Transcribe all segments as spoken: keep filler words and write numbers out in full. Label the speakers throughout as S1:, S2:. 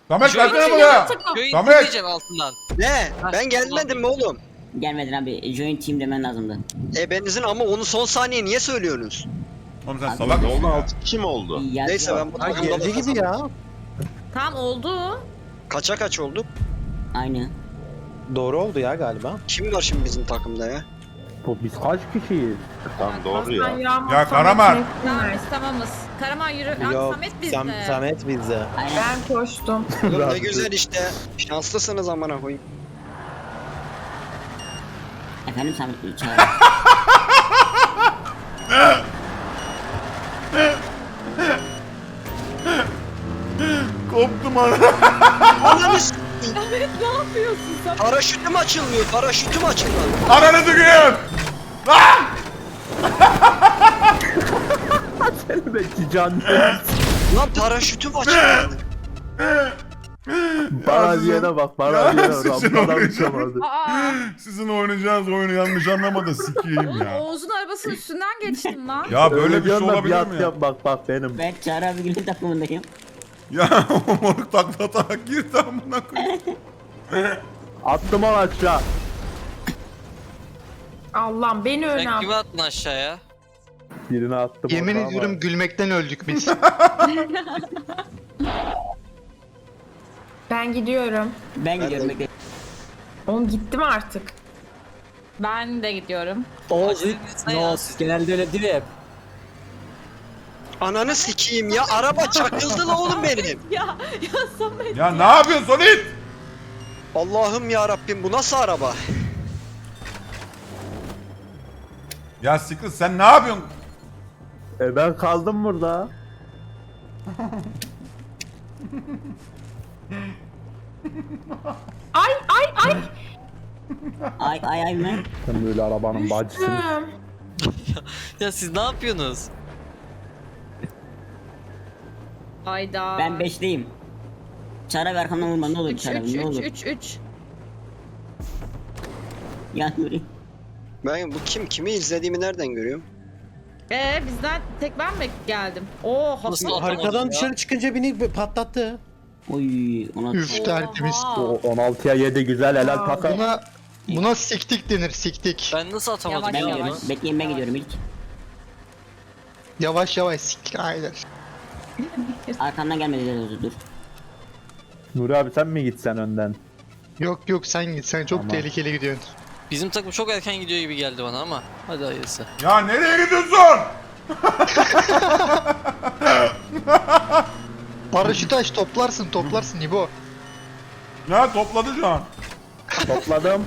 S1: Samet
S2: Şöyle
S1: gelsene
S2: bir
S1: buraya.
S2: Köyün
S1: Samet.
S2: diyeceğim altından.
S3: Ne? Ben gelmedim mi oğlum?
S4: Gelmedin abi. Join team demen lazımdı.
S3: E benizin ama onu son saniye niye söylüyorsunuz?
S1: Oğlum sen
S4: Abi,
S1: salak
S5: Ne
S1: mısın
S5: oldu?
S1: ya?
S5: altı kişi mi oldu?
S4: Yazıyor.
S3: Neyse ben bu
S6: Ha
S3: takımda da
S6: geldi gibi
S3: kazandım.
S6: ya.
S7: Tam oldu.
S3: Kaça kaç olduk?
S4: Aynı.
S6: Doğru oldu ya galiba.
S3: Kim var şimdi bizim takımda ya?
S8: Bu biz kaç kişiyiz?
S5: Tamam doğru ya.
S1: Ya Karaman.
S7: Tamam biz tamamız. Karaman yürü. Lan
S6: Yok.
S7: Samet bizde.
S6: Sam Samet bizde.
S4: Aynen.
S9: Ben koştum.
S3: Oğlum ne güzel işte. Şanslısınız amına koyayım.
S4: Efendim Samet çağır.
S1: Koptum ana.
S3: Ananı s***.
S7: Samet ne yapıyorsun sen?
S3: Paraşütüm açılmıyor. Paraşütüm açılmadı.
S1: Ananı tüküreyim. Lan!
S8: Belki can.
S3: Lan paraşütüm açılmadı.
S8: Bana diyene bak, bana
S1: Ya
S8: diyene
S1: sizin
S8: rampadan
S1: oynayacağınız-
S8: uçamadı.
S7: Aa,
S1: Sizin oynayacağınız oyunu yanlış anlama da sikeyim ya.
S7: Oğuz'un arabasının üstünden geçtim lan.
S1: Ya böyle bir şey
S8: diyorsun da
S1: olabilir
S8: yat
S1: mi ya?
S8: yap, bak bak benim.
S4: Ben Çağrı abi Gül'ün takımındayım.
S1: Ya moruk takla atarak girdi amına koyayım.
S8: Attım onu aşağı.
S9: Allah'ım beni öne
S2: Sen
S9: al.
S2: kimi attın aşağıya?
S8: Birini attım.
S10: Yemin
S8: orada ama-
S10: ediyorum gülmekten öldük biz.
S9: Ben gidiyorum.
S4: Ben gidiyorum bekle.
S9: Oğlum gitti mi artık?
S7: Ben de gidiyorum.
S2: Oğuz ne ya?
S6: Genelde öyle değil hep.
S3: Ananı sikeyim ya. Araba çakıldı la oğlum benim.
S7: Ya ya Samet.
S1: Ya ne yapıyorsun Solid?
S3: Allah'ım ya Rabbim bu nasıl araba?
S1: Ya Sikris sen ne yapıyorsun?
S8: E ben kaldım burada.
S9: Ay ay ay.
S4: Ay ay ay mı?
S8: Sen böyle arabanın bacısın.
S9: Düştüm.
S2: Ya siz ne yapıyorsunuz?
S7: Hayda.
S4: Ben beşteyim. Çağrı abi arkamdan vurma ne olur
S7: üç
S4: Çağrı
S7: üç
S4: abi ne
S7: üç
S4: olur.
S7: üç üç.
S4: Ya Nuri.
S3: Ben bu kim? Kimi izlediğimi nereden görüyorum?
S7: Ee bizden tek ben mi geldim? Oo
S2: Nasıl
S7: hasıl.
S6: Haritadan
S2: ya?
S6: dışarı çıkınca beni patlattı.
S4: Oy ona.
S10: Üf tertemiz.
S8: O on altıya yedi güzel helal
S9: Aa,
S8: takım.
S10: Buna buna siktik denir siktik.
S2: Ben nasıl atamadım
S7: Yavaş,
S4: Ben
S2: ya?
S4: gidiyorum.
S7: yavaş.
S4: Bekleyin ben gidiyorum ilk.
S10: Yavaş yavaş siktik aynen.
S4: Arkamdan gelmedi dur dur.
S8: Nuri abi sen mi gitsen önden?
S10: Yok yok sen git sen çok
S8: Tamam.
S10: tehlikeli gidiyorsun.
S2: Bizim takım çok erken gidiyor gibi geldi bana ama. Hadi hayırlısı.
S1: Ya nereye gidiyorsun?
S10: Paraşüt aç toplarsın toplarsın İbo.
S1: Ya topladı şu an.
S8: Topladım.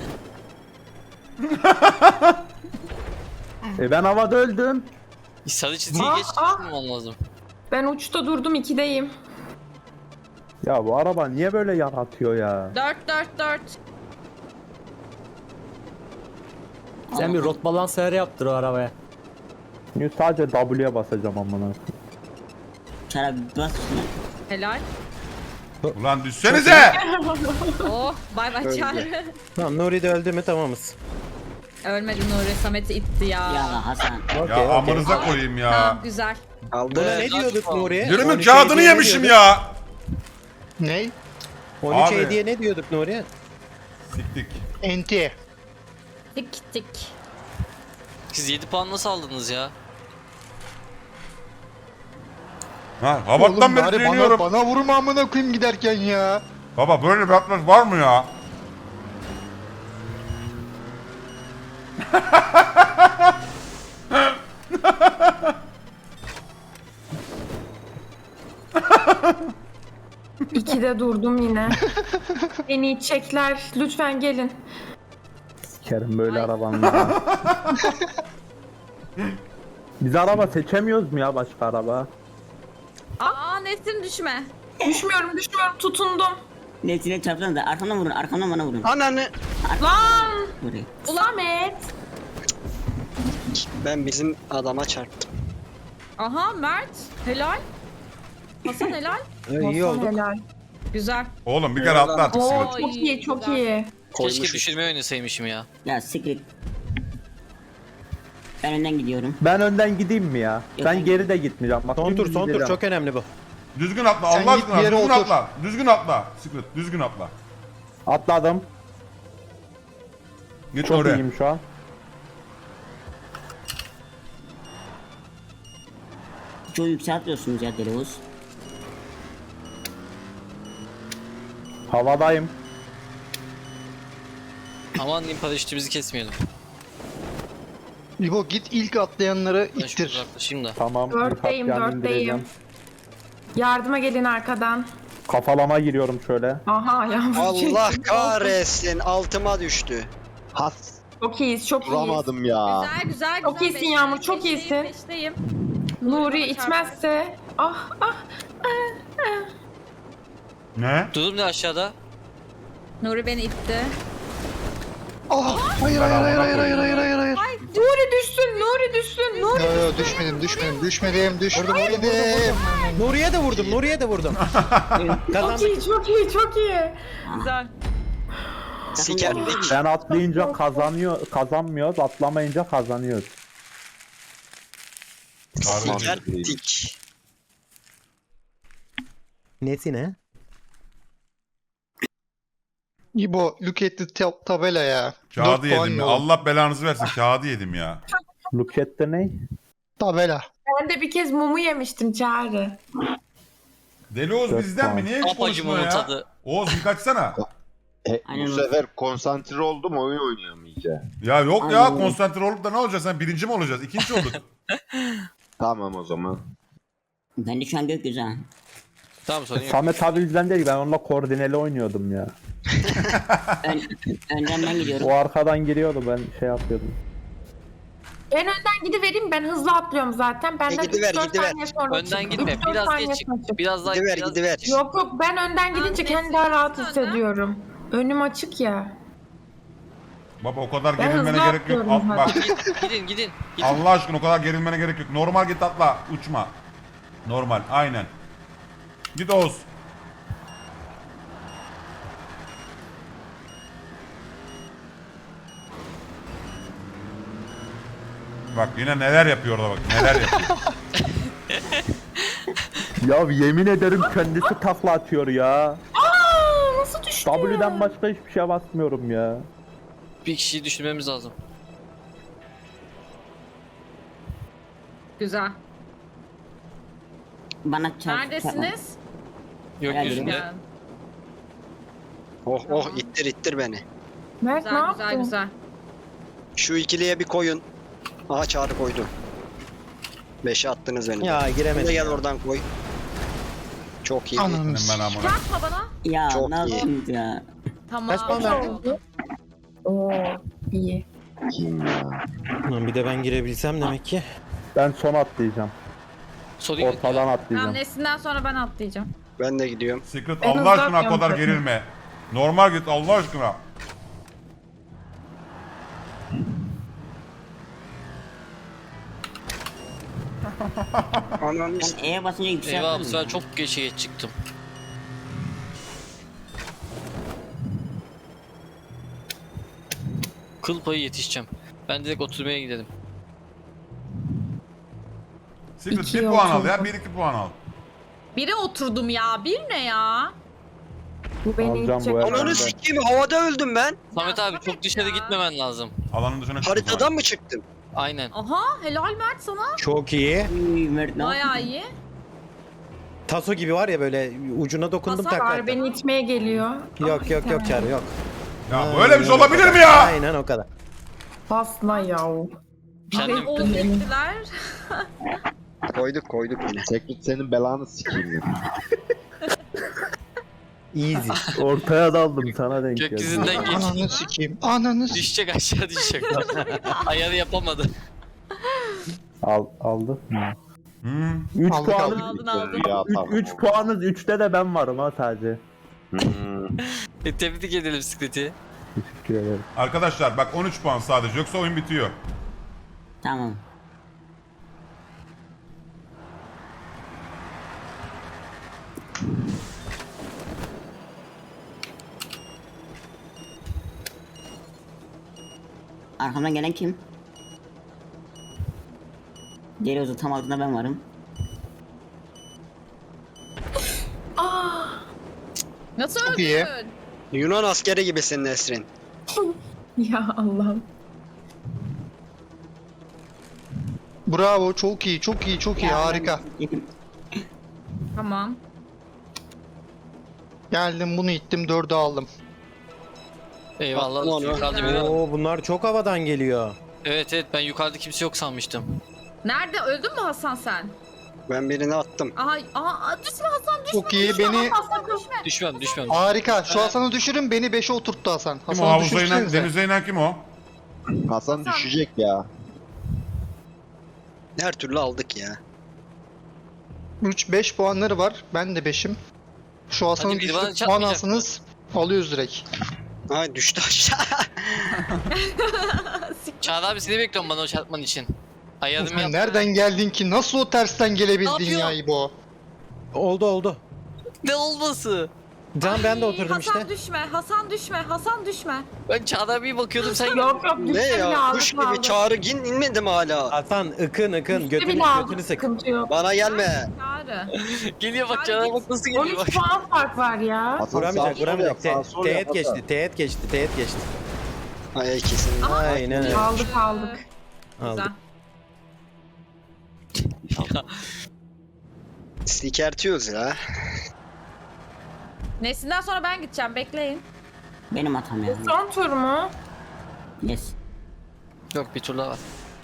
S8: e ben havada öldüm.
S2: Sarı çizgiyi
S9: Aa,
S2: geç
S9: aa.
S2: tutmaman lazım.
S9: Ben uçta durdum ikideyim.
S8: Ya bu araba niye böyle yaratıyor ya?
S7: Dört dört dört.
S6: Sen bir rot balans ayarı yaptır o arabaya.
S8: Şimdi sadece W'ye basacağım amına.
S4: Çağrı abi bas şuna.
S7: Helal.
S1: Ulan düşsenize.
S7: Oh bay bay
S3: Öldü.
S7: Çağrı.
S6: Tamam Nuri de öldü mü tamamız.
S7: Ölmedi Nuri Samet'i itti ya.
S4: Ya Hasan.
S6: Okey,
S1: Ya
S6: okey.
S1: amınıza koyayım ya.
S7: Tamam güzel.
S3: Aldı.
S6: Buna ne diyorduk Nuri?
S1: Birimin
S6: on üç
S1: kağıdını
S6: hediye ne
S1: yemişim
S6: diyorduk?
S1: ya.
S10: Ney?
S6: on üç
S1: Abi.
S6: hediye ne diyorduk Nuri?
S1: Siktik.
S10: Enti.
S7: Tik tik.
S2: Siz yedi puan nasıl aldınız ya?
S1: Ha, havattan beri
S10: bari
S1: söylüyorum.
S10: bana, bana vurma amına koyayım giderken ya.
S1: Baba böyle bir atlas var mı ya?
S9: İkide durdum yine. Beni çekler. Lütfen gelin.
S8: Sikerim böyle
S7: Ay.
S8: arabanla. Biz araba seçemiyoruz mu ya başka araba?
S7: Aa Nesrin düşme.
S9: Düşmüyorum düşmüyorum tutundum.
S4: Nesine çarptın da arkamdan vurun arkamdan bana vurun.
S3: Ananı.
S9: Lan.
S4: Nuri.
S9: Samet.
S3: Ben bizim adama çarptım.
S7: Aha Mert. Helal. Hasan helal.
S6: Ee, iyi oldu.
S9: Helal.
S7: Güzel.
S1: Oğlum bir kere atla artık
S9: Oo
S1: Sikret.
S9: çok iyi çok
S7: Güzel.
S9: iyi.
S2: Keşke
S3: Koymuşuz.
S2: düşürmeyi oynasaymışım ya.
S4: Ya sikret. Ben önden gidiyorum.
S8: Ben önden gideyim mi ya?
S4: Yok,
S8: Ben
S4: ben-
S8: geride gitmeyeceğim. Bak
S6: Son tur
S8: dümdüz
S6: son tur
S8: gideceğim.
S6: çok önemli bu.
S1: Düzgün atla
S10: Sen
S1: Allah
S10: git
S1: aşkına
S10: bir yere
S1: düzgün
S10: otur.
S1: atla. Düzgün atla. Secret düzgün atla.
S8: Atladım.
S1: Git
S8: Çok
S1: oraya.
S8: iyiyim şu an.
S4: Çok yükseltiyorsunuz ya Deli Oğuz.
S8: Havadayım.
S2: Aman diyeyim paraşütümüzü kesmeyelim.
S10: İbo git ilk atlayanları
S2: Ben şunu
S10: ittir.
S2: uzaklaşayım da.
S8: Tamam.
S9: Dörtteyim,
S8: birkaç yan
S9: dörtteyim.
S8: indireceğim.
S9: Yardıma gelin arkadan.
S8: Kafalama giriyorum şöyle.
S9: Aha yağmur.
S3: Allah kahretsin altıma düştü.
S5: Has
S9: Çok iyiyiz, çok iyiyiz.
S5: duramadım ya.
S7: Güzel güzel
S9: Çok
S7: güzel.
S9: iyisin
S7: Beşteyim,
S9: Yağmur, çok
S7: beşteyim,
S9: iyisin.
S7: beşteyim.
S9: Nuri itmezse. Ah ah.
S1: Ne?
S2: Durum ne aşağıda?
S7: Nuri beni itti.
S10: Ah, hayır hayır hayır hayır hayır hayır hayır hayır.
S9: Nuri düşsün, Nuri düşsün, Nuri.
S10: Yo yo düşmedim düşmedim düşmedim düşmedim.
S6: Nuriye de vurdum, Nuriye de vurdum.
S9: Çok
S6: Kazandık.
S9: iyi, çok iyi, çok iyi.
S7: Güzel.
S3: Sikerdik.
S8: Ben atlayınca kazanıyor, kazanmıyoruz. Atlamayınca kazanıyoruz.
S3: Sikerdik.
S6: Nesi ne?
S10: İbo look at the tab- tabela ya.
S1: Kağıdı
S10: Dört puan
S1: yedim ya.
S10: yolu.
S1: Allah belanızı versin kağıdı yedim ya.
S8: Look at the ne?
S10: Tabela.
S9: Ben de bir kez mumu yemiştim Çağrı.
S1: Deli Oğuz
S8: Dört
S1: bizden mi?
S8: puan.
S1: Niye hiç
S2: Apacım
S1: konuşmuyor
S2: onun
S1: ya?
S2: tadı.
S1: Oğuz bir kaçsana.
S5: E,
S4: Aynen
S5: bu
S4: öyle.
S5: sefer konsantre oldum oyun oynayamayacağım.
S1: Ya yok ya
S4: Aynen.
S1: konsantre olup da ne olacak? Sen birinci mi olacağız? İkinci olduk.
S5: Tamam o zaman.
S4: Ben de şu an gökyüzü ha.
S2: Tamam sorun yok.
S8: Samet abi bizden değil. Ben onunla koordineli oynuyordum ya.
S4: Ön, önden ben gidiyorum.
S8: O arkadan giriyordu, ben şey yapıyordum.
S9: Ben önden gidivereyim, ben hızlı atlıyorum zaten. Benden
S3: E, gidiver,
S9: üç dört
S3: gidiver.
S9: saniye sonra
S2: Önden
S9: çık.
S2: gitme.
S9: üç dört
S2: Biraz
S9: saniye
S2: geç çık.
S9: sonra çık.
S2: Biraz daha
S3: Gidiver
S2: biraz
S3: gidiver.
S9: Yok yok, ben önden gidince kendimi daha rahat hissediyorum. Önüm açık ya.
S1: Baba o kadar
S9: Ben
S1: gerilmene
S9: hızlı
S1: gerek yok.
S9: atlıyorum
S1: At, bak
S2: Gidin gidin. gidin.
S1: Allah aşkına o kadar gerilmene gerek yok. Normal git atla. Uçma. Normal aynen. Git Oğuz. Bak yine neler yapıyor orada bak. Neler yapıyor.
S8: Ya yemin ederim kendisi takla atıyor ya.
S9: Aa, nasıl düştü?
S8: W'den başka hiçbir şeye basmıyorum ya.
S2: Bir kişiyi düşürmemiz lazım.
S7: Güzel.
S4: Bana çarp.
S7: Neredesiniz?
S2: Yok
S4: Gel,
S2: yüzünde.
S7: Yani.
S3: Oh oh ittir ittir beni.
S9: Mert ne
S7: Güzel
S9: yaptın?
S7: güzel güzel.
S3: Şu ikiliye bir koyun. Aha Çağrı koydu. Beşe attınız beni.
S6: Ya
S3: Sen de
S6: giremedim.
S3: gel oradan koy. Çok iyi.
S10: Ananı
S1: Senin ben amına.
S7: Yapma bana.
S4: Ya
S3: Çok
S4: ne
S3: iyi.
S4: yaptınız ya?
S7: Tamam.
S6: Kaç puan verdin?
S9: oldu? Oo, iyi.
S5: Kim ya?
S6: Lan bir de ben girebilsem demek ki.
S8: Ben son atlayacağım.
S2: Sorun yok.
S8: Ortadan
S7: Tamam
S8: atlayacağım.
S7: Nesin'den sonra ben atlayacağım.
S3: Ben de gidiyorum.
S1: Secret
S9: Ben
S1: Allah
S9: hızlı
S1: aşkına o
S9: atlıyorum
S1: kadar
S9: zaten.
S1: gerilme. Normal git Allah aşkına.
S3: Ananı
S4: Ben E'ye basınca
S2: Eyvah bu
S4: yükselttim.
S2: sefer çok geçe çıktım. Kıl payı yetişeceğim. Ben direkt oturmaya gidelim.
S1: Secret
S9: İki
S1: bir puan al
S9: olsun.
S1: ya. Bir iki puan al.
S7: Bire oturdum ya. Bir ne ya?
S9: Bu beni
S8: Alacağım
S9: itecek.
S8: bu arada.
S3: Ananı sikeyim havada öldüm ben.
S2: Samet abi
S7: Samet
S2: çok dışarı
S7: ya.
S2: gitmemen lazım.
S1: Alanın dışına çık.
S3: Haritadan mı çıktım?
S2: Aynen.
S7: Aha helal Mert sana.
S6: Çok iyi.
S4: Uy, Mert ne yaptın?
S7: Bayağı iyi.
S6: Taso gibi var ya böyle ucuna dokundum
S7: Hasar
S6: takla
S9: Var,
S6: attım.
S9: beni itmeye geliyor.
S6: Yok yok yok Çağrı yok.
S1: Ya böyle bir şey olabilir mi ya?
S6: Aynen o kadar.
S9: Basma yav.
S2: Kendim
S7: Oldu gittiler.
S3: Koyduk koyduk yine.
S5: Secret senin belanı sikeyim ya.
S6: Easy.
S8: Ortaya daldım, sana denk geldi.
S2: gökyüzünden geç.
S10: Ananı sikeyim. Ananı sikeyim.
S2: Düşecek aşağı düşecek. Ayarı yapamadı.
S8: Al, aldı.
S1: Hmm.
S8: üç
S10: Aldık,
S8: puanız,
S7: Aldın aldın.
S5: Ya tamam.
S8: üç puanız, üçte de ben varım ha sadece.
S5: Hmm.
S2: E, tebrik edelim Secret'i.
S8: Teşekkür ederim.
S1: Arkadaşlar bak on üç puan sadece yoksa oyun bitiyor.
S4: Tamam. Arkamdan gelen kim? Deli Oğuz'un tam altında ben varım.
S7: Nasıl
S10: Çok iyi.
S7: öldün?
S3: Yunan askeri gibisin Nesrin.
S9: Ya Allah'ım.
S10: Bravo, çok iyi, çok iyi, çok iyi,
S4: Ya,
S10: harika.
S4: ben-
S7: Tamam.
S10: Geldim, bunu ittim, dördü aldım.
S2: Eyvallah.
S3: Aman
S2: Yukarıda biri var.
S6: Oo bunlar çok havadan geliyor.
S2: Evet evet ben yukarıda kimse yok sanmıştım.
S7: Nerede? Öldün mü Hasan sen?
S3: Ben birini attım.
S7: Aha, aha düşme Hasan düşme.
S10: Çok iyi,
S7: düşme,
S10: beni-
S7: Hasan düşme.
S2: Düşmem düşmem.
S10: Harika, şu Hasan'ı düşürün, beni beşe oturttu Hasan.
S1: Kim o?
S10: Hasan'ı
S1: Havuza inen,
S10: düşürsenize.
S1: denize inen kim o?
S5: Hasan düşecek ya.
S3: Her türlü aldık ya.
S10: üç beş puanları var, ben de beşim. Şu Hasan'ı
S2: Hadi bir bana
S10: düşürüp puan
S2: çarpmayacak
S10: alsanız alıyoruz direkt.
S3: Ay düştü aşağı.
S2: Çağrı abi seni bekliyorum bana o çarpman için. Ayarımı
S10: Sen
S2: yap.
S10: nereden geldin ki? Nasıl o tersten
S2: Ne
S10: gelebildin
S2: yapıyor?
S10: ya İbo?
S6: Oldu oldu.
S2: Ne olması?
S6: Can ben de
S7: Ay,
S6: oturdum
S7: Hasan
S6: işte.
S7: düşme, Hasan düşme, Hasan düşme.
S2: Ben Çağrı abiye bakıyordum sen
S9: Yok yok
S3: Ne
S9: düştü bile
S3: ya?
S9: aldık
S3: Kuş gibi
S9: aldık.
S3: çağrı gin inmedi mi hala?
S6: Hasan ıkın ıkın
S9: Düştü
S6: götünü,
S9: bile aldık,
S6: götünü sık.
S9: sıkıntı yok.
S3: Bana gelme.
S7: Çağrı.
S2: geliyor bak
S7: Çağrı
S2: Çağrı
S7: git.
S2: bak nasıl
S9: on
S2: geliyor bak.
S9: üç puan fark var ya.
S5: Hasan
S6: Vuramayacak
S5: sağ sol
S6: vuramayacak.
S5: yap, sağ
S6: Te-
S5: sol yap
S6: teğet
S5: Hasan.
S6: geçti teğet geçti teğet geçti.
S3: Ay ikisini.
S6: Aynen öyle.
S9: Aldık aldık.
S6: Aldık.
S7: Güzel.
S3: Sikertiyoruz ya.
S7: Neslinden sonra ben gideceğim, bekleyin.
S4: Benim hatam ya.
S9: Son tur mu?
S4: Yes.
S2: Yok bir tur daha var.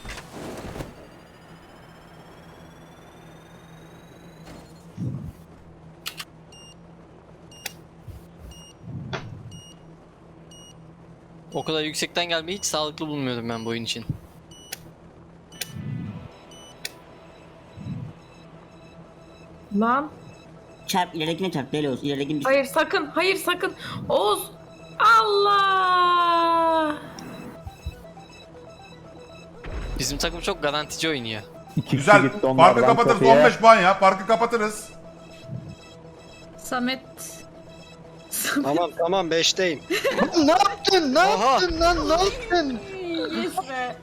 S2: O kadar yüksekten gelmeyi hiç sağlıklı bulmuyordum ben bu oyun için.
S9: Lan.
S4: Çarp ileridekine çarp deli olsun. İleridekini düş.
S9: Hayır sakın, hayır sakın. Oğuz. Allah.
S2: Bizim takım çok garantici oynuyor.
S8: İki
S1: Güzel.
S8: kişi gitti
S1: Parkı
S8: onlardan
S1: kapatırız.
S8: tepeye.
S1: on beş puan ya. Parkı kapatırız.
S7: Samet.
S3: Tamam tamam beşteyim.
S10: ne yaptın? Ne
S3: Aha.
S10: yaptın lan? Ne yaptın?
S7: Yes be.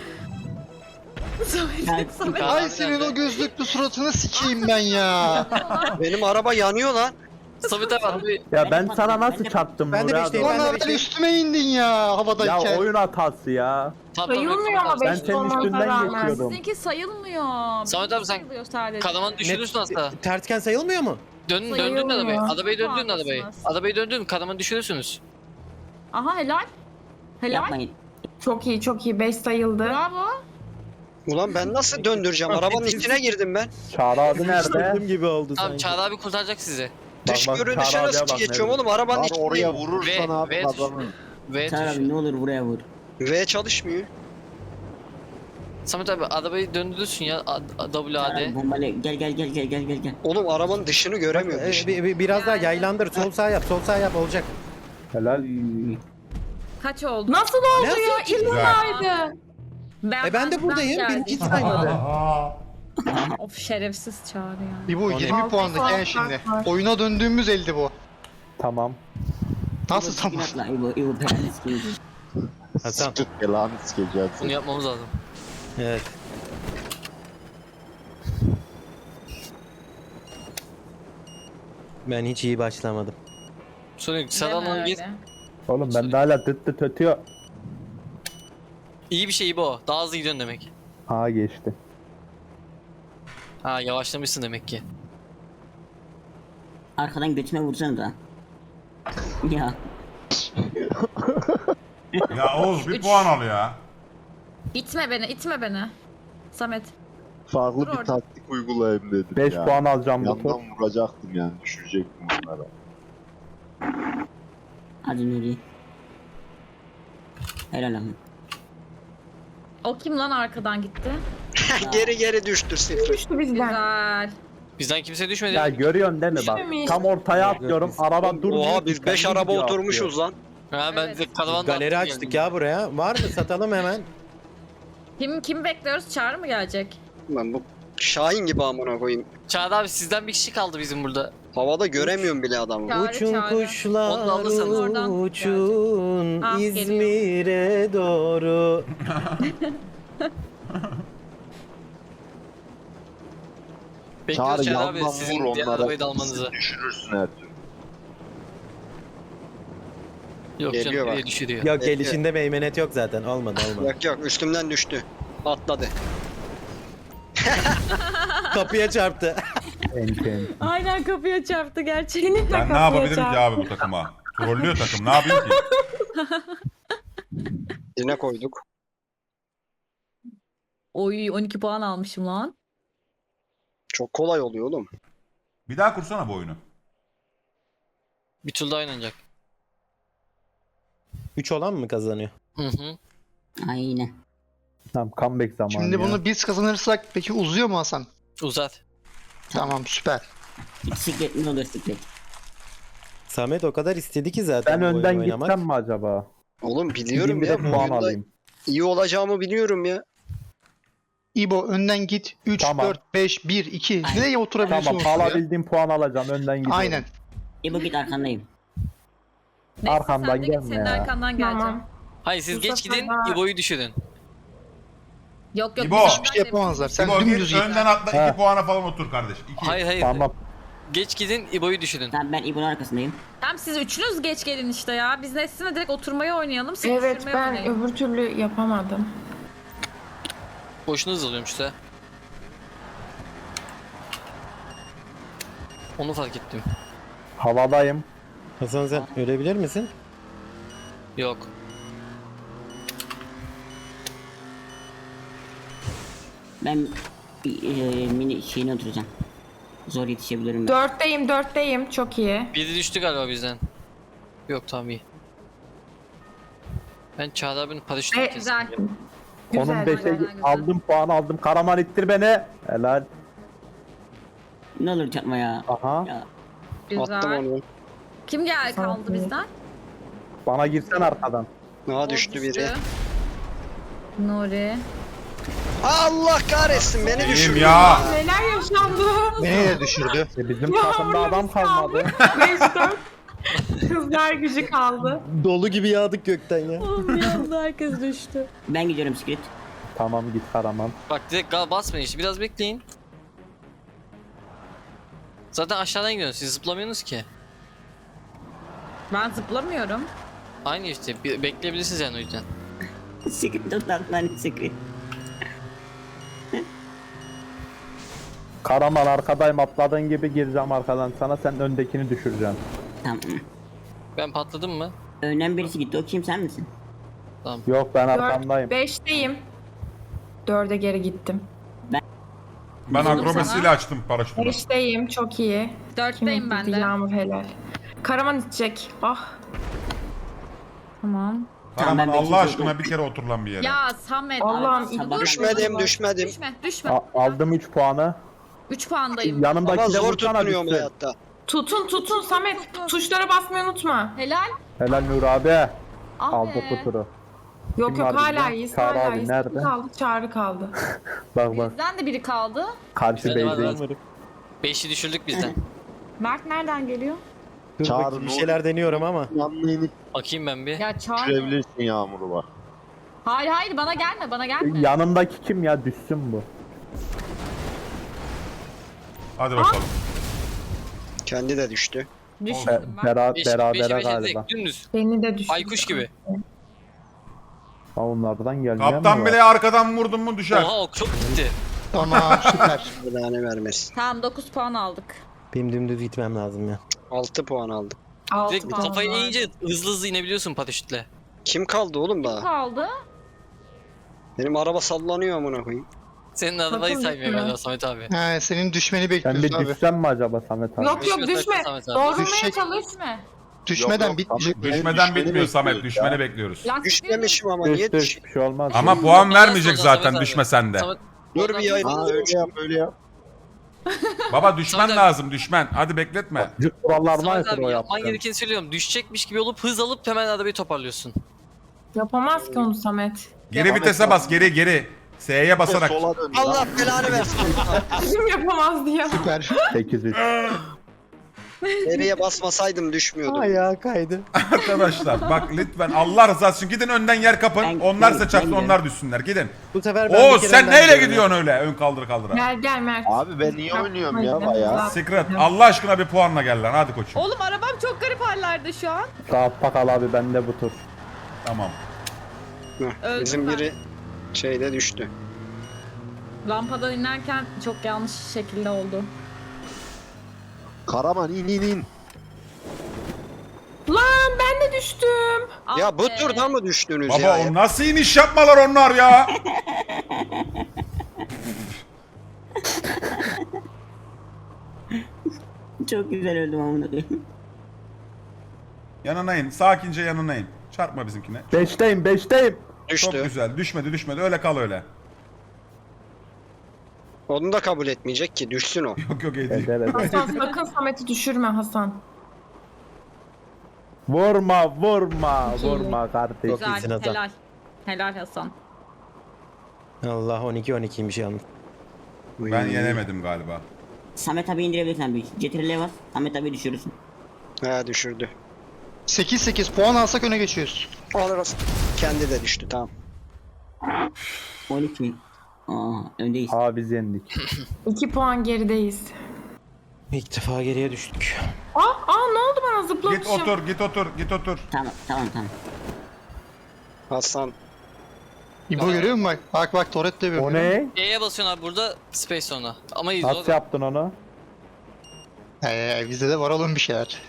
S4: Çarp-
S7: Samet.
S2: Tamam,
S10: Ay senin
S2: nerede?
S10: o gözlüklü suratını sikeyim ben ya.
S3: Benim araba yanıyor lan.
S2: Samet abi abi.
S8: Ya ben sana nasıl çarptım
S6: Ben de
S8: Nuri abi?
S6: beşteyim.
S10: Lan
S6: Ben de
S10: abi
S6: beşteyim.
S10: üstüme indin ya
S8: Ya
S10: havadayken.
S8: oyun hatası ya.
S2: Tamam, tamam,
S9: Sayılmıyor
S2: tamam,
S9: ama
S2: tamam.
S8: Ben
S9: beş
S8: senin
S9: olmasına
S8: üstünden
S9: rağmen.
S8: geçiyordum.
S7: Sizinki sayılmıyor.
S2: Samet abi sen
S7: Sayılıyor sadece.
S2: kanamanı düşürürsün aslında.
S6: Tersken sayılmıyor mu?
S2: Dön, döndün
S9: Sayılmıyor.
S2: arabayı. Arabayı döndün arabayı.
S7: Haklısınız.
S2: Arabayı döndün kanamanı düşürürsünüz.
S7: Aha helal. Helal.
S4: Yapmayın.
S9: Çok iyi çok iyi beş sayıldı.
S7: Bravo.
S3: Ulan ben nasıl döndüreceğim? Arabanın içine girdim ben.
S8: Çağrı abi nerede?
S6: Öldüm gibi oldu
S2: Tamam
S6: sanki.
S2: Çağrı abi kurtaracak sizi.
S8: Bak,
S3: Dış
S8: bak,
S3: görünüşe
S8: Çağrı abiye
S3: nasıl
S8: bak
S3: geçiyorum
S8: nerede?
S3: oğlum? Arabanın
S5: Lan oraya
S3: içindeyim.
S5: vurursan
S2: Ve-
S5: abi
S2: ve-
S5: kazanır.
S2: Ve
S4: Çağrı
S2: tuş.
S4: abi ne olur buraya vur.
S3: V çalışmıyor.
S2: Samet abi arabayı döndürürsün ya A- A- W
S4: Çağrı
S2: A
S4: abi
S2: D.
S4: bombayla gel gel gel gel gel gel gel.
S3: Oğlum arabanın dışını göremiyorum.
S6: Ee,
S3: Dışını.
S6: bir- bir- biraz daha yaylandır. Sol sağ yap. Sol sağ yap olacak.
S8: Helal.
S7: Kaç oldu?
S9: Nasıl oldu
S6: Nasıl
S9: ya?
S6: açıldı?
S9: İlhan'daydı.
S7: Ben,
S6: E ben de buradayım. Beni hiç saymadı.
S7: Of şerefsiz Çağrı ya.
S10: İbo
S6: O ne?
S10: yirmi puanlık
S9: Altı
S10: yani
S9: puan
S10: şimdi.
S9: fark var.
S10: Oyuna döndüğümüz elde bu.
S8: Tamam.
S10: Nasıl
S4: İbo,
S10: tamam?
S4: atla, İbo, İbo belanı sikeyim.
S6: Hasan.
S5: Sıkıt belanı sikeceğiz.
S2: Bunu yapmamız lazım.
S6: Evet. Ben hiç iyi başlamadım.
S2: Sonra
S7: Deme
S2: Sedan gir.
S7: öyle.
S8: Oğlum ben de hala dıt dıt ötüyor.
S2: İyi bir şey bu. Daha hızlı gidiyorsun demek.
S8: Ha geçti.
S2: Ha yavaşlamışsın demek ki.
S4: Arkadan götüme vursana da. Ya.
S1: Ya Oğuz bir
S7: Üç.
S1: puan al ya.
S7: İtme beni, itme beni. Samet.
S5: Farklı
S7: Dur
S5: bir
S7: orada.
S5: taktik uygulayayım dedim
S8: beş
S5: ya.
S8: puan alacağım bu tur.
S5: Yandan vuracaktım yani düşürecektim onlara.
S4: Hadi Nuri. Helal abi.
S7: O kim lan arkadan gitti?
S3: Geri geri düştü sıfır.
S9: Düştü bizden.
S7: Güzel.
S2: Bizden kimse düşmedi.
S8: Ya görüyorsun değil mi bak.
S9: Düşmemiş.
S8: Tam ortaya atlıyorum. Araba durmuyor.
S3: Oha biz beş
S8: kendi
S3: araba
S8: gidiyor,
S3: oturmuşuz lan.
S2: Ha ben
S7: Evet.
S2: de karavan
S6: Galeri açtık ya buraya. Var mı? Satalım hemen.
S7: Kim kim bekliyoruz? Çağrı mı gelecek?
S3: Ben bu Şahin gibi amına koyayım.
S2: Çağrı abi sizden bir kişi kaldı bizim burada.
S3: Havada göremiyorum bile adamı.
S7: Çağrı,
S6: Uçun
S7: çağrı.
S6: kuşlar
S2: Onu da alırsanız
S7: oradan
S6: uçun
S7: Ah, geliyor.
S6: İzmir'e doğru.
S2: Bekliyoruz
S5: Çağrı
S2: Çağrı abi
S5: yandan
S2: sizin
S5: vur
S2: diğer
S5: onlara.
S2: arabayı da almanızı.
S5: Düşürürsün her türlü.
S2: Yok
S3: Geliyor
S2: canım
S3: bak.
S2: nereye düşürüyor.
S6: Yok
S3: Bekle.
S6: gelişinde meymenet yok zaten. Olmadı olmadı.
S3: Yok yok üstümden düştü. Atladı.
S6: Kapıya çarptı.
S8: Enti enti.
S7: Aynen kapıya çarptı gerçekten.
S1: Ben ne yapabilirim ki abi bu takıma? Trollüyor takım. Ne yapayım ki?
S3: Yine koyduk.
S7: Oy on iki puan almışım lan.
S3: Çok kolay oluyor oğlum.
S1: Bir daha kursana bu oyunu.
S2: Bir tur daha oynanacak.
S6: üç olan mı kazanıyor?
S2: Hı hı.
S4: Aynen.
S8: Tamam comeback zamanı
S10: Şimdi
S8: ya.
S10: bunu biz kazanırsak peki uzuyor mu Hasan?
S2: Uzat.
S10: Tamam süper.
S4: Bisiklet mi olur bisiklet?
S6: Samet o kadar istedi ki zaten
S8: Ben
S6: bu
S8: önden
S6: oyunu oynamak.
S8: gitsem mi acaba?
S3: Oğlum biliyorum
S8: Gideyim bir
S3: ya.
S8: de
S3: Bu
S8: puan
S3: oyunda
S8: alayım.
S3: iyi olacağımı biliyorum ya.
S10: İbo önden git. üç,
S8: Tamam.
S10: dört, beş, bir, iki.
S4: Aynen.
S10: Nereye oturabiliyorsun?
S8: Tamam
S10: oraya?
S8: alabildiğim puan alacağım önden gidiyorum.
S10: Aynen.
S4: İbo git arkandayım.
S7: Neyse,
S8: Arkamdan
S7: sen de git,
S8: gelme
S7: senin
S8: ya.
S7: arkandan geleceğim.
S9: Tamam.
S2: Hayır siz
S9: Bu
S2: geç
S9: sefer
S2: gidin
S9: daha-
S2: İbo'yu düşürün.
S7: Yok yok.
S1: İbo.
S7: biz
S10: Hiçbir şey yapamazlar. Sen
S1: İbo
S10: dümdüz
S1: git
S10: git.
S1: önden atla
S8: Ha.
S1: iki puana falan otur kardeş. İki.
S2: Hayır hayır.
S8: Tamam.
S2: Geç gidin İbo'yu düşürün.
S4: Tamam ben İbo'nun arkasındayım.
S7: Tamam siz üçünüz geç gelin işte ya. Biz Nesrin'le direkt oturmayı oynayalım. Siz
S9: Evet
S7: düşürmeyi
S9: ben
S7: oynayın.
S9: öbür türlü yapamadım.
S2: Boşuna hızlanıyorum işte. Onu fark ettim.
S8: Havadayım.
S6: Hasan sen ölebilir misin?
S2: Yok.
S4: Ben e, mini şeyine oturacağım. Zor yetişebilirim ben.
S9: Dörtteyim dörtteyim çok iyi.
S2: Biri düştü galiba bizden. Yok tamam iyi. Ben Çağrı abinin paraşütünü
S9: E,
S2: kestim.
S7: Güzel.
S9: Güzel.
S8: Onun beşe
S7: güzel, güzel.
S8: aldım puan aldım. Karaman ittir beni. Helal.
S4: Ne olur çarpma ya.
S8: Aha.
S4: Ya
S3: Attım
S7: Güzel.
S3: onu.
S7: Kim geldi
S9: Sağ
S7: kaldı
S9: ol.
S7: bizden?
S8: Bana girsen arkadan.
S3: Aha
S7: O
S3: düştü biri.
S7: Nuri.
S3: Allah kahretsin beni
S1: İyiyim
S3: düşürdü.
S1: ya.
S9: Neler yaşandı?
S10: Beni de düşürdü.
S8: E bizim
S9: Ya
S8: takımda
S9: orada
S8: adam
S9: biz kaldık.
S8: kalmadı.
S9: beş dört. Kızlar gücü kaldı.
S6: Dolu gibi yağdık gökten ya.
S7: Bir anda herkes düştü.
S4: ben gidiyorum bisiklet.
S8: Tamam git Karaman.
S2: Bak direkt gal basmayın işte biraz bekleyin. Zaten aşağıdan gidiyorsunuz siz zıplamıyorsunuz ki.
S7: Ben zıplamıyorum.
S2: Aynı işte bir- bekleyebilirsiniz yani o yüzden.
S4: Bisiklet toplantıdan bisiklet.
S8: Karaman arkadayım atladığın gibi gireceğim arkadan sana sen öndekini düşüreceksin.
S4: Tamam.
S2: Ben patladım mı?
S4: Önden birisi gitti. O kim sen misin?
S8: Yok ben
S9: Dört,
S8: arkandayım.
S9: beşteyim. Dörde geri gittim.
S1: Ben
S7: Sana.
S1: akrobasiyle açtım paraşütümü.
S9: Beşteyim çok iyi.
S7: Dörtteyim
S9: Kim
S7: ben
S9: gitti?
S7: de.
S9: Yağmur helal. Karaman içecek. Ah.
S7: Tamam.
S1: Karaman
S4: Tamam, ben
S1: Allah
S4: beşinci
S1: aşkına bir kere otur lan bir yere.
S7: Ya Samet.
S9: Allah'ım,
S7: abi,
S4: sabah-
S7: dur.
S3: Düşmedim düşmedim.
S7: Düşme düşme.
S4: Ah.
S8: A- aldım üç puanı.
S7: üç puandayım.
S8: Yanımdaki
S3: Ama
S8: de
S3: zor
S8: vursana
S3: tutturuyorum
S8: düşsün.
S3: hayatta.
S9: Tutun tutun Samet. Tuşlara basmayı unutma.
S7: Helal.
S8: Helal Nur abi.
S7: Ah
S8: Aldı
S7: be.
S8: kuturu.
S9: Yok
S8: Kim
S9: yok
S8: var
S9: hala
S8: bizde?
S9: iyiyiz
S8: Çağrı
S9: hala
S8: abi
S9: iyiyiz.
S8: nerede?
S9: Kim kaldı? Çağrı kaldı.
S8: Bak bak.
S7: Bizden de biri kaldı.
S8: Karşı
S2: Bizde de var,
S8: beyzdeyim.
S2: var. Beşi düşürdük bizden.
S7: Mert nereden geliyor?
S6: Dur
S5: Çağrı,
S6: bakayım, bir
S5: ne
S6: şeyler deniyorum ama.
S5: Yanına inip
S2: Bakayım ben bir.
S7: Ya çağır.
S5: düşürebilirsin Yağmur'u bak.
S7: Hayır hayır bana gelme bana gelme.
S8: Yanımdaki kim ya düşsün bu.
S1: Hadi bakalım.
S3: Kendi de düştü.
S8: Be-
S7: Düşmedim ben.
S8: bera-
S2: Beş, beşi
S8: berabere
S2: beşe
S8: galiba.
S2: direkt dümdüz.
S9: Beni de düşürdü.
S2: Aykuş gibi.
S8: Ha, onlardan gelmeyen
S1: Kaptan
S8: mi
S1: bile
S8: var?
S1: arkadan vurdun mu düşer.
S2: Oha ok çok gitti.
S10: Tamam süper.
S3: Belanı vermesin.
S7: Tamam dokuz puan aldık.
S6: Benim dümdüz gitmem lazım ya.
S3: altı puan aldım.
S9: Altı
S2: Direkt
S9: puan
S2: kafayı
S9: var.
S2: eğince hızlı hızlı inebiliyorsun paraşütle.
S3: Kim kaldı oğlum daha?
S7: Kaldı.
S3: Benim araba sallanıyor amına koyayım.
S2: Senin arabayı
S9: Sakın
S2: saymıyor
S9: düşme.
S2: galiba Samet abi.
S10: He, senin düşmeni
S8: Ben bir
S10: bekliyoruz abi.
S8: düşsem mi acaba Samet abi?
S9: Yok yok
S2: Düşme,
S9: düşme.
S2: sakın Samet abi.
S9: Doğrulmaya
S10: Düşecek.
S9: çalış.
S7: Düşme.
S10: Düşmeden
S5: Yok, yok,
S10: bitmeyecek.
S5: Samet,
S1: Düşmeden
S5: düşmeni
S1: bitmiyor Samet.
S5: bekliyoruz
S1: Düşmeni
S5: ya.
S1: bekliyoruz.
S7: Lastik
S3: Düşmemişim ama
S8: Düş
S3: niye
S8: düş
S3: düş?
S8: bir şey olmaz.
S1: Ama
S2: Ondan
S1: puan
S2: sonra
S1: vermeyecek
S2: Samet
S1: zaten
S2: abi.
S1: düşmesen de.
S2: Samet-
S3: Dur bir yayın.
S5: Ha öyle yap öyle yap.
S1: Baba düşmen
S2: Samet abi.
S1: lazım düşmen. Hadi bekletme.
S8: Cık kurallarına
S2: Samet
S8: aykırı
S2: abi
S8: o
S2: yapman
S8: yaptın.
S2: gerekeni söylüyorum. Düşecekmiş gibi olup hız alıp hemen arabayı toparlıyorsun.
S9: Yapamaz ki onu Samet.
S1: Geri vitese bas geri geri. S'ye basarak.
S5: Sola dön.
S3: Allah belanı versin.
S9: Kim yapamaz diye.
S10: Süper.
S8: sekiz üç.
S3: Nereye basmasaydım düşmüyordum.
S6: Ayağı kaydı.
S1: Arkadaşlar bak lütfen Allah rızası için gidin önden yer kapın.
S4: Ben-
S1: onlar
S4: ben-
S1: size çarpsın
S4: ben
S1: onlar düşsünler. Gidin.
S6: Bu sefer ben
S1: Oo
S6: bir kere
S1: sen
S6: önden
S1: neyle
S6: gidiyorum
S1: gidiyorsun öyle? Ön kaldır kaldıra.
S9: Gel gel Mert.
S5: Abi ben niye oynuyorum ya bayağı?
S1: Secret Allah aşkına bir puanla gel lan hadi koçum.
S7: Oğlum arabam çok garip hallerde şu an.
S8: Rahat bakal abi bende bu tur.
S1: Tamam.
S3: Heh,
S7: Öldüm
S3: Bizim
S7: ben.
S3: biri şeyde düştü.
S7: Rampadan inerken çok yanlış şekilde oldu.
S5: Karaman in in in.
S9: Lan ben de düştüm.
S3: Ya
S7: Ah
S3: bu
S7: be.
S3: turda mı düştünüz
S1: Baba
S3: ya?
S1: o nasıl iniş yapmalar onlar ya?
S4: Çok güzel öldüm amına koyayım.
S1: Yanına in. Sakince yanına in. Çarpma bizimkine.
S8: Beşteyim beşteyim.
S1: Çok
S3: Düştü.
S1: güzel. Düşmedi düşmedi. Öyle kal öyle.
S3: Onu da kabul etmeyecek ki düşsün o.
S1: Yok yok iyi değil.
S8: Eder eder.
S9: Hasan sakın Samet'i düşürme Hasan.
S8: Vurma vurma
S9: İki.
S8: vurma kardeşim.
S7: Güzel,
S6: iyisin Hasan.
S7: helal. Helal Hasan.
S6: Allah on iki on ikiymiş yalnız.
S1: Ben yenemedim galiba.
S4: Samet abi indirebilirsen bir. Cetirle bas. Samet abi düşürürsün.
S3: He düşürdü.
S10: sekiz sekiz puan alsak öne geçiyoruz.
S3: Alırız. Kendi de düştü tamam.
S4: on iki. Aa öndeyiz.
S8: Aa biz yendik.
S9: iki puan gerideyiz.
S6: İlk defa geriye düştük.
S9: Aa, aa ne oldu bana zıplamışım.
S1: Git otur git otur git otur.
S4: Tamam tamam tamam.
S3: Hasan.
S10: İbo görüyor musun bak? Bak bak Toret de
S8: O
S10: görüyor.
S8: ne?
S2: E'ye basıyorsun abi burada space sonra. Ama iz
S8: Nasıl yaptın onu?
S10: Ee, bizde de var oğlum bir şeyler.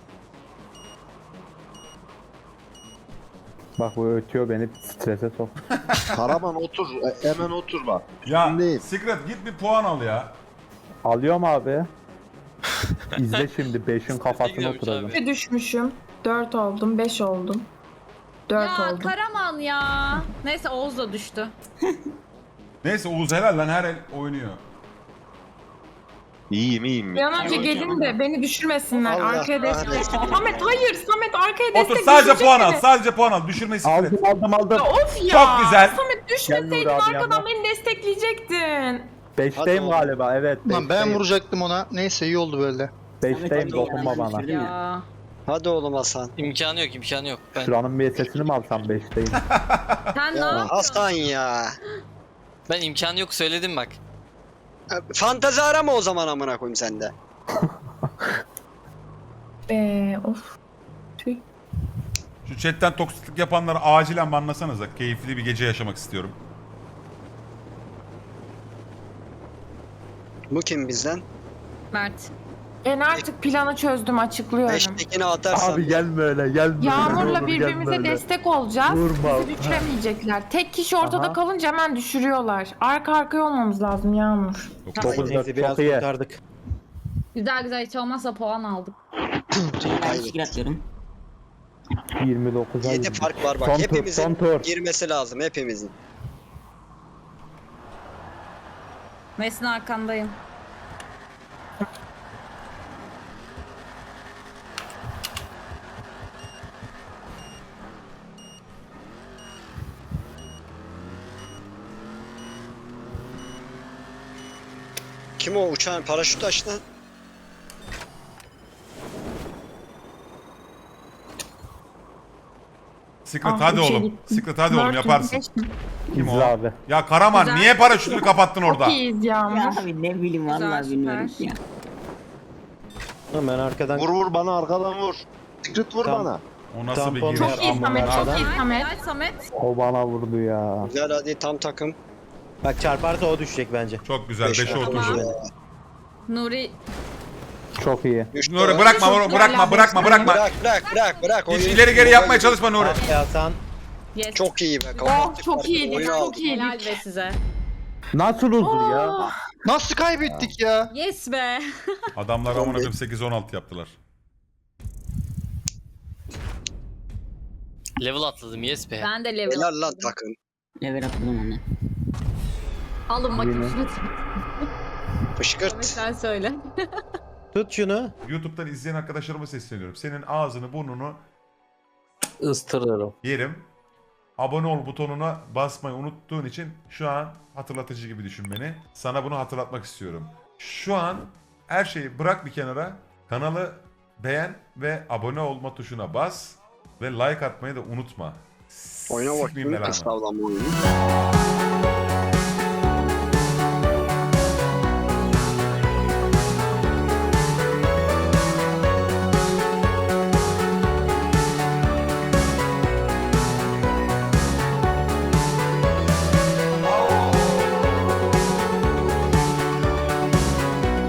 S8: Bak bu ötüyor beni strese sok.
S5: Karaman otur. e, Hemen otur bak.
S1: Ya
S5: Üstündeyim.
S1: Secret git bir puan al ya.
S8: Alıyorum abi. İzle şimdi beşin kafasına
S2: gidiyormuş
S8: oturacağım.
S2: abi.
S9: Bir düşmüşüm. dört oldum, beş oldum. dört
S7: Ya
S9: oldum.
S7: Karaman ya. Neyse Oğuz da düştü.
S1: Neyse Oğuz helal lan her el oynuyor.
S5: İyiyim iyiyim.
S9: Bir an önce gelin de beni düşürmesinler.
S3: Allah
S9: Arkaya destek.
S3: kahretsin.
S9: Samet hayır, Samet arkaya destek.
S1: Otur sadece
S9: düşürecek
S1: puan al.
S9: beni.
S1: Sadece puan al. Düşürmeyi Secret.
S8: Aldım aldım aldım.
S9: Ya of ya.
S1: Çok güzel.
S9: Samet
S8: Gel
S9: düşmeseydin
S8: Nuri abi
S9: arkadan
S8: yanına.
S9: beni destekleyecektin.
S8: Beşteyim
S3: Hadi
S8: galiba evet.
S10: Lan ben
S8: beşteyim.
S10: vuracaktım ona. Neyse iyi oldu böyle.
S8: Beşteyim
S4: Samet abi
S8: dokunma
S4: yanlış
S8: bana.
S4: düşürdüm ya.
S7: Ya.
S3: Hadi oğlum Hasan.
S2: İmkanı yok imkanı yok. Ben,
S8: Şuranın bir sesini mi alsam beşteyim?
S7: Sen ne
S3: Ya
S7: yapıyorsun?
S3: Hasan ya.
S2: ben imkanı yok söyledim bak.
S3: E, Fantezi arama o zaman amına koyayım sende.
S9: Eee of. Tüh.
S1: Şu chatten toksiklik yapanları acilen banlasanıza. Keyifli bir gece yaşamak istiyorum.
S3: Bu kim bizden?
S7: Mert.
S9: Ben artık planı çözdüm, açıklıyorum.
S3: Beştekini atarsan.
S8: Abi gelme öyle gelme.
S9: Yağmur'la
S8: Olur,
S9: birbirimize
S8: gelme öyle.
S9: destek olacağız.
S8: Vurma.
S9: Bizi düşüremeyecekler. Tek kişi ortada
S8: Aha.
S9: kalınca hemen düşürüyorlar. Arka arkaya olmamız lazım Yağmur.
S8: Dokuz
S6: Neyse
S8: dört
S6: biraz
S8: çok iyi.
S6: kurtardık.
S7: Güzel güzel hiç olmazsa puan aldık.
S4: Ben
S3: Hayır.
S4: sikir atıyorum.
S8: yirmi dokuza
S3: yedi
S8: girdik.
S3: fark var bak.
S8: Son tur,
S3: Hepimizin
S8: son tur.
S3: girmesi lazım hepimizin.
S7: Mesin arkandayım.
S3: Kim o uçağın paraşüt açtı?
S1: Secret
S9: Ah,
S1: hadi
S9: üçe
S1: oğlum.
S9: gittim.
S1: Secret hadi oğlum
S9: Dört,
S1: yaparsın.
S9: beş.
S1: Kim o?
S8: İzle abi.
S1: Ya Karaman
S7: Güzel.
S1: niye paraşütünü kapattın orada?
S9: Çok iyiyiz Yağmur.
S4: Ya abi ne bileyim
S7: Güzel,
S4: vallahi bilmiyorum
S7: süper.
S4: ya.
S6: Hemen arkadan
S5: Vur vur bana arkadan vur. Secret vur
S6: Tamam.
S5: bana.
S1: O nasıl bir
S6: Tampon
S1: giriş?
S6: ver.
S9: Çok iyi
S6: Aman
S9: Samet,
S6: Allah'ım.
S9: çok iyi Samet.
S7: Helal Samet.
S8: O bana vurdu ya.
S3: Güzel hadi tam takım.
S6: bak çarparsa o düşecek bence.
S1: Çok güzel.
S3: Beş
S1: beşe
S3: oldu.
S1: oturdu.
S7: Nuri.
S8: Çok iyi.
S3: Düştü.
S1: Nuri bırakma
S9: Çok
S1: bırakma
S9: güzel
S1: bırakma
S9: abi.
S1: bırakma.
S3: Bırak bırak bırak bırak.
S1: Hiç
S3: Oyun-
S1: ileri geri yapmaya çalışma Nuri.
S6: Ah be Hasan.
S7: Yes.
S3: Çok iyi be.
S9: Oh
S3: kapattık
S9: çok
S3: farkı,
S9: iyiydik,
S3: oyunu
S9: çok
S3: aldık.
S9: iyiydik.
S7: Helal be size.
S8: Nasıl uzun ya?
S9: Oh.
S10: Nasıl kaybettik ya?
S7: Yes be.
S1: Adamlar amına koyayım sekiz on altı yaptılar.
S2: Level atladım yes be.
S7: Ben de level
S3: Helal lan
S7: atladım.
S3: takım.
S4: Level atladım onu.
S7: Alın bakayım
S8: Yine.
S7: şunu.
S3: Fışkırt.
S7: Sen söyle.
S6: Tut şunu.
S1: YouTube'dan izleyen arkadaşlarıma sesleniyorum. Senin ağzını burnunu
S6: Istırırım.
S1: yerim. Abone ol butonuna basmayı unuttuğun için şu an hatırlatıcı gibi düşün beni. Sana bunu hatırlatmak istiyorum. Şu an her şeyi bırak bir kenara. Kanalı beğen ve abone olma tuşuna bas ve like atmayı da unutma.
S3: Oyuna
S1: Sikmeyeyim
S3: bakayım.
S1: belanı.
S3: Estağfurullah.